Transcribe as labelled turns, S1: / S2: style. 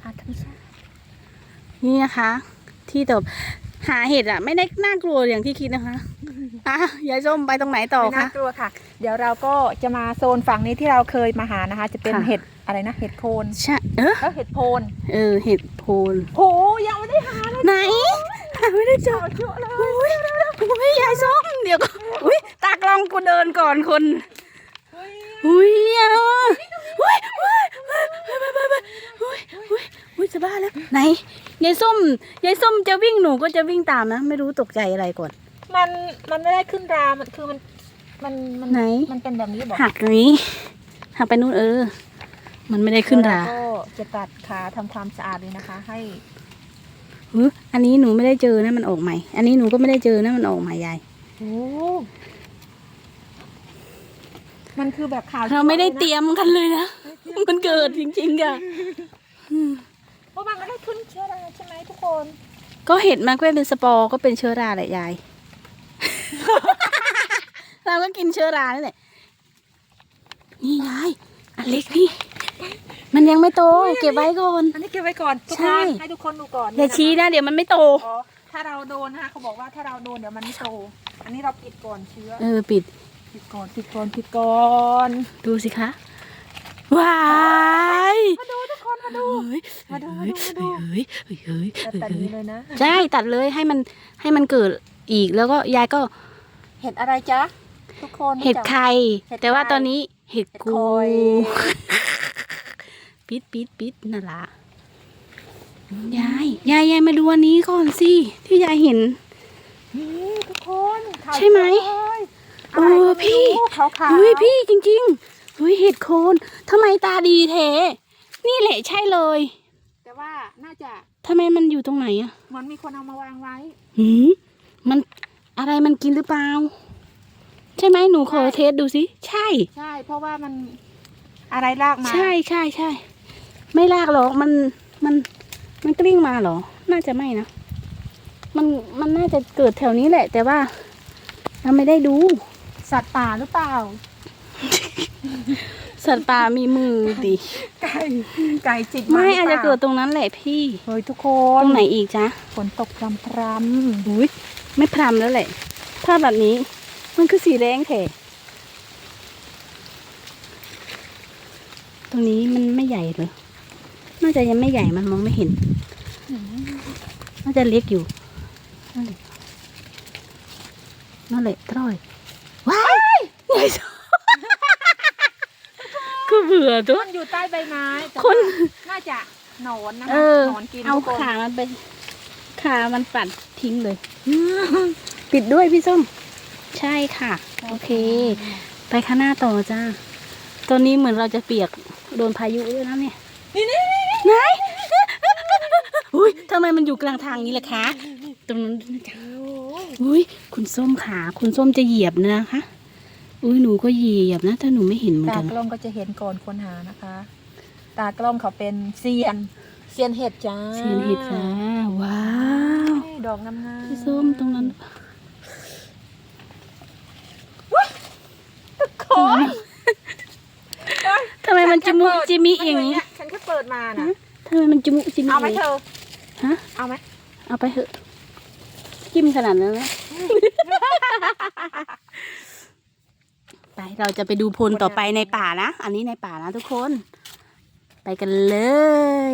S1: าธรรมชาติ
S2: นี่นะคะที่ตบหาเห็ดอ่ะไม่ได้น่ากลัวอย่างที่คิดนะคะยายส้มไปตรงไหนต่อ
S1: ไม่
S2: คะ
S1: น่ากลัวค่ะ เดี๋ยวเราก็จะมาโซนฝั่งนี้ที่เราเคยมาหานะคะ จะเป็น
S2: ค่ะ
S1: เห็ดอะไรนะเห็ดโคน
S2: ใช่
S1: เห็ดโพน
S2: เห็ดโพน
S1: โหยังไม่ได้หาเลย
S2: ไหนหาไม่ได้เจอ
S1: เยอะเลย
S2: อุ้ยยายส้มเดี๋ยวก็อุ้ยตากล้องกูเดินก่อนคนอุ้ยอุ้ยอุ้ยจะบ้าแล้วไหนยายส้มจะวิ่งหนูก็จะวิ่งตามนะไม่รู้ตกใจอะไรก่อน
S1: มันไม่ได้ขึ้นรามันคือมัน
S2: ไหน
S1: มันเป็นแบบนี้บอก
S2: หักอย่างนี้หักไปนู่นมันไม่ได้ขึ้นรา
S1: ก็จะตัดขาทำความสะอาดเลยนะคะ ให้
S2: อันนี้หนูไม่ได้เจอนะมันออกใหม่อันนี้หนูก็ไม่ได้เจอนะมันออกใหม่ยาย
S1: โอ้มันคือแบบขาว
S2: เราไม่ได้เตรียมกันเลยนะมันเกิดจริงๆอะ
S1: เพราะมันไม่ได้ขึ้นเชื้อราใช่ไหมทุกคน
S2: ก็เห็ดมันก็เป็นสปอร์ก็เป็นเชื้อราแหละยาย เราก็กินเชื้อรานี่แหละนี่ยายอันเล็กนี่มันยังไม่โตเก็บไว้ก่อน
S1: อันนี้เก็บไว้ก่อนทุก
S2: ใช่
S1: คนให้ทุกคนดูก่อน
S2: อย่าชี้นะเดี๋ยวมันไม่โต
S1: อ๋อถ้าเราโดนนะคะเขาบอกว่าถ้าเราโดนเดี๋ยวมันไม่โต อันนี้เราปิดก่อนเชื้อ
S2: ปิด
S1: ปิดก่อน
S2: ดูสิคะว้าย
S1: มาดูทุกคนมาดู
S2: เฮ้ย
S1: มาดู
S2: เฮ้ย
S1: แต่นี้เลยนะ
S2: ใช่ตัดเลยให้มันเกิดอีกแล้วก็ยายก็
S1: เห็ดอะไรจ๊ะทุกคน
S2: เห็ดไข่
S1: เห็ดไข่
S2: แต่ว่าตอนนี้เห็ด
S1: เห็ด
S2: กู
S1: คอย
S2: ปิดนั่นล่ะยายมาดูอันนี้ก่อนสิที่ยายเห็น
S1: นี่ทุกคน
S2: ใช่ไหม
S1: ขาว
S2: เออพี่
S1: ขาว
S2: เฮ้ยพี่จริงๆเฮ้ยเห็ดโคนทำไมตาดีแท้นี่แหละใช่เลย
S1: แต่ว่าน่าจะ
S2: ทำไมมันอยู่ตรงไหนอะ
S1: เหมือนมีคนเอามาวางไว้
S2: มันอะไรมันกินหรือเปล่าใช่ไหมหนูขอเทสดูสิใช่
S1: ใช่เพราะว่ามันอะไรลากมา
S2: ใช่ไม่ลากหรอกมันกลิ้งมาเหรอน่าจะไม่นะมันน่าจะเกิดแถวนี้แหละ แต่ว่าเราไม่ได้ดู
S1: สัตว์ป่าหรือเปล่า
S2: สัตว์ป่ามีมือดิ
S1: ไก่จิก
S2: ไม่
S1: หรื
S2: อาจจะ
S1: ปล่
S2: เกิดตรงนั้นแหละพี่
S1: เฮ้ยทุกค
S2: ต
S1: น
S2: รงไหนอีกจ๊ะ
S1: ฝนตกพรำ
S2: อุ้ยไม่พรำแล้วแหละ ถ้าแบบนี้มันคือสีแดงแท้ตรงนี้มันไม่ใหญ่เลยน่าจะยังไม่ใหญ่มันมองไม่เห็นน่าจะเล็กอยู่นั่นแหละตร้อยว้ายใหญ่สุดก็เบื่อตัว
S1: มันอยู่ใต้ใบไม้แต่
S2: คน
S1: ว่าน่าจะหนอนนะ
S2: เอ
S1: คะ
S2: อ
S1: หนอนกิน
S2: เอา
S1: ทุกคน
S2: ขามันไปขามันปัดทิ้งเลย ปิดด้วยพี่ส้มใช่ค่ะ โอเค ไปข้างหน้าต่อจ้าตอนนี้เหมือนเราจะเปียกโดนพายุด้วยนะเนี่ย
S1: นี่
S2: ไหนอุ้ยทำไมมันอยู่กลางทางนี้ล่ะคะตรงนั้นนะจ๊ะอุ้ยคุณส้มขาคุณส้มจะเหยียบนะคะอุ้ยหนูก็เหยียบนะถ้าหนูไม่เห็นเหมือน
S1: ตา
S2: กัน
S1: กล้องก็จะเห็นก่อนคนหานะคะ ตากล้องเขาเป็นเซียนเห็ดจ้า
S2: เสียนเห็ดจ้าว้าว
S1: นี่ดอกงามๆ
S2: พี่ส้มตรงนั้น
S1: คน
S2: ทำไมมันจิมุจิมิอย่างนี้
S1: ฉันแค่เปิดมานะ
S2: ทำไมมันจิมุจิมิ
S1: เอาไหมเธอ
S2: ฮะ
S1: เอาไหม
S2: เอาไปเถอะจิ้มขนาดนั้นนะ ไปเราจะไปดูพลต่อไปในป่านะ อันนี้ในป่านะทุกคน ไปกันเลย